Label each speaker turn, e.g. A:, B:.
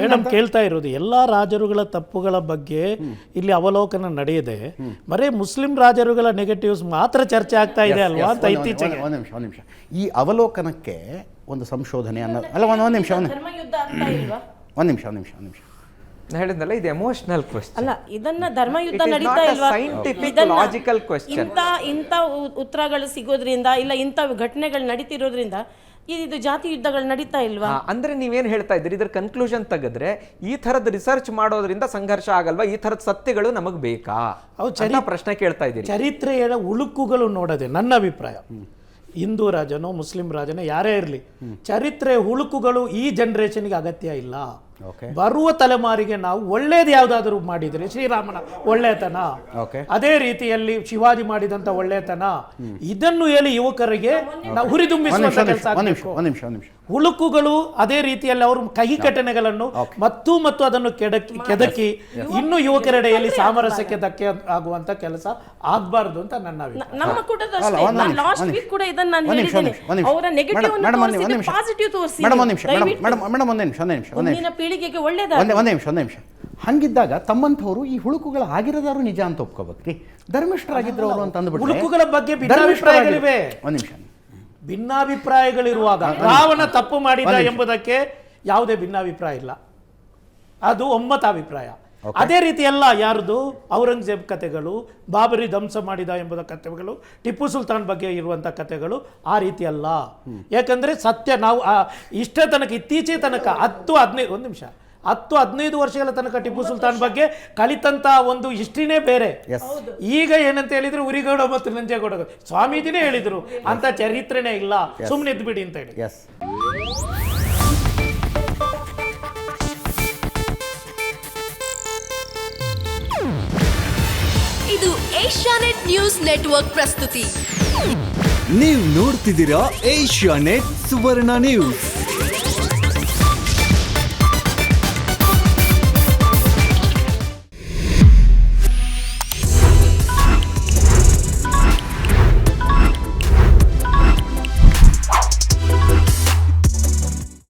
A: Madam ಕೇಳ್ತಾ ಇರೋದು ಎಲ್ಲ ರಾಜರುಗಳ ತಪ್ಪುಗಳ ಬಗ್ಗೆ ಇಲ್ಲಿ ಅವಲೋಕನ ನಡೆಯದೆ ಬರೀ ಮುಸ್ಲಿಂ ರಾಜರುಗಳ ನೆಗೆಟಿವ್ಸ್ ಮಾತ್ರ ಚರ್ಚೆ ಆಗ್ತಾ ಇದೆ ಅಲ್ವಾ ಅಂತ ಇತ್ತೀಚೆಗೆ.
B: ಒಂದು ನಿಮಿಷ ಈ ಅವಲೋಕನಕ್ಕೆ ಒಂದು ಸಂಶೋಧನೆ ಅನ್ನೋದು ಅಲ್ಲ. ಒಂದು ನಿಮಿಷ
C: ಹೇಳಿದ್ನಲ್ಲ, ಇದು ಎಮೋಷನಲ್ ಕ್ವೆಶ್ಚನ್
D: ಅಲ್ಲ, ಇದನ್ನ ಧರ್ಮಯುದ್ಧ ನಡೀತಾ ಇಲ್ವಾ?
C: Scientific logical question.
D: ಇಂಥ ಉತ್ತರಗಳು ಸಿಗೋದ್ರಿಂದ ಇಲ್ಲ ಇಂಥ ಘಟನೆಗಳು ನಡೀತಿರೋದ್ರಿಂದ ಇದು ಜಾತಿ ಯುದ್ಧಗಳು ನಡೀತಾ ಇಲ್ವಾ?
C: ಅಂದ್ರೆ ನೀವೇನ್ ಹೇಳ್ತಾ ಇದ್ದೀರಿ, ಇದ್ರ ಕನ್ಕ್ಲೂಷನ್ ತೆಗೆದ್ರೆ ಈ ತರದ ರಿಸರ್ಚ್ ಮಾಡೋದ್ರಿಂದ ಸಂಘರ್ಷ ಆಗಲ್ವಾ? ಈ ತರದ ಸತ್ಯಗಳು ನಮಗ್ ಬೇಕಾ? ಪ್ರಶ್ನೆ ಕೇಳ್ತಾ ಇದ್ದೀರಿ.
A: ಚರಿತ್ರೆಯ ಉಳುಕುಗಳು ನೋಡದೆ ನನ್ನ ಅಭಿಪ್ರಾಯ, ಹಿಂದೂ ರಾಜನೋ ಮುಸ್ಲಿಂ ರಾಜನೋ ಯಾರೇ ಇರಲಿ, ಚರಿತ್ರೆಯ ಹುಳುಕುಗಳು ಈ ಜನರೇಷನ್ಗೆ ಅಗತ್ಯ ಇಲ್ಲ. ಬರುವ ತಲೆಮಾರಿಗೆ ನಾವು ಒಳ್ಳೇದು ಯಾವ್ದಾದ್ರು ಮಾಡಿದ್ರೆ ಶ್ರೀರಾಮನ ಒಳ್ಳೆತನ, ಅದೇ ರೀತಿಯಲ್ಲಿ ಶಿವಾಜಿ ಮಾಡಿದಂತ ಒಳ್ಳೆತನ, ಇದನ್ನು ಹೇಳಿ ಯುವಕರಿಗೆ ನಾವು ಹುರಿದುಂಬಿಸುವಂತ ಕೆಲಸ ಆಗಬೇಕು. ಹುಳುಕುಗಳು ಅದೇ ರೀತಿಯಲ್ಲಿ ಅವರು ಕಹಿ ಘಟನೆಗಳನ್ನು ಮತ್ತು ಅದನ್ನು ಕೆದಕಿ ಇನ್ನು ಯುವಕರೆಡೆಯಲ್ಲಿ ಸಾಮರಸ್ಯಕ್ಕೆ ಧಕ್ಕೆ ಆಗುವಂತ ಕೆಲಸ ಆಗ್ಬಾರ್ದು ಅಂತ ನನ್ನ ಅಭಿಪ್ರಾಯ.
D: ನಮ್ಮ ಕೂಡ ಲಾಸ್ಟ್ ವೀಕ್ ಕೂಡ ಇದನ್ನ ನಾನು ಹೇಳಿದ್ದೇನೆ. ಅವರ ನೆಗೆಟಿವ್ ಅನ್ನು ತೋರಿಸಿ ಪಾಸಿಟಿವ್ ತೋರಿಸಿ. ಮುಂದಿನ ಪೀಳಿಗೆಗೆ ಒಳ್ಳೆಯದಾಗಲಿ.
B: ಒಂದೇ ನಿಮಿಷ ಹಂಗಿದ್ದಾಗ ತಮ್ಮಂಥವ್ರು ಈ ಹುಳುಕುಗಳು ಆಗಿರೋದಾರು ನಿಜ ಅಂತ ಒಪ್ಕೋಬೇಕ್ರಿ. ಧರ್ಮಿಷ್ಠರಾಗಿದ್ರು ಅವರು ಅಂತ ಅಂದ್ಬಿಟ್ಟು
A: ಹುಳುಕುಗಳ ಬಗ್ಗೆ ಭಿನ್ನಾಭಿಪ್ರಾಯಗಳಿವೆ.
B: ಒಂದ್ ನಿಮಿಷ,
A: ಭಿನ್ನಾಭಿಪ್ರಾಯಗಳಿರುವಾಗ ರಾವಣ ತಪ್ಪು ಮಾಡಿದ ಎಂಬುದಕ್ಕೆ ಯಾವುದೇ ಭಿನ್ನಾಭಿಪ್ರಾಯ ಇಲ್ಲ, ಅದು ಒಮ್ಮತಾಭಿಪ್ರಾಯ. ಅದೇ ರೀತಿ ಎಲ್ಲ ಯಾರ್ದು ಔರಂಗಜೇಬ್ ಕಥೆಗಳು, ಬಾಬರಿ ಧ್ವಂಸ ಮಾಡಿದ ಎಂಬುದ ಕಥೆಗಳು, ಟಿಪ್ಪು ಸುಲ್ತಾನ್ ಬಗ್ಗೆ ಇರುವಂಥ ಕಥೆಗಳು ಆ ರೀತಿ ಅಲ್ಲ. ಯಾಕಂದ್ರೆ ಸತ್ಯ ನಾವು ಇಷ್ಟೇ ತನಕ ಇತ್ತೀಚೆಗೆ ತನಕ 10-15 ವರ್ಷಗಳ ತನಕ ಟಿಪ್ಪು ಸುಲ್ತಾನ್ ಬಗ್ಗೆ ಕಲಿತಂತ ಒಂದು ಹಿಸ್ಟ್ರಿನೇ ಬೇರೆ. ಈಗ ಏನಂತ ಹೇಳಿದ್ರು ಉರಿಗೌಡ ಮತ್ತು ನಂಜೇಗೌಡ ಸ್ವಾಮೀಜಿನೇ ಹೇಳಿದ್ರು ಅಂತ ಚರಿತ್ರೆನೇ ಇಲ್ಲ, ಸುಮ್ಮನೆ ಇದ್ಬಿಡಿ ಅಂತ ಹೇಳಿ.
E: ಇದು ಏಷ್ಯಾನೆಟ್ ನ್ಯೂಸ್ ನೆಟ್ವರ್ಕ್ ಪ್ರಸ್ತುತಿ.
F: ನೀವು ನೋಡ್ತಿದ್ದೀರಾ ಏಷ್ಯಾನೆಟ್ ಸುವರ್ಣ ನ್ಯೂಸ್.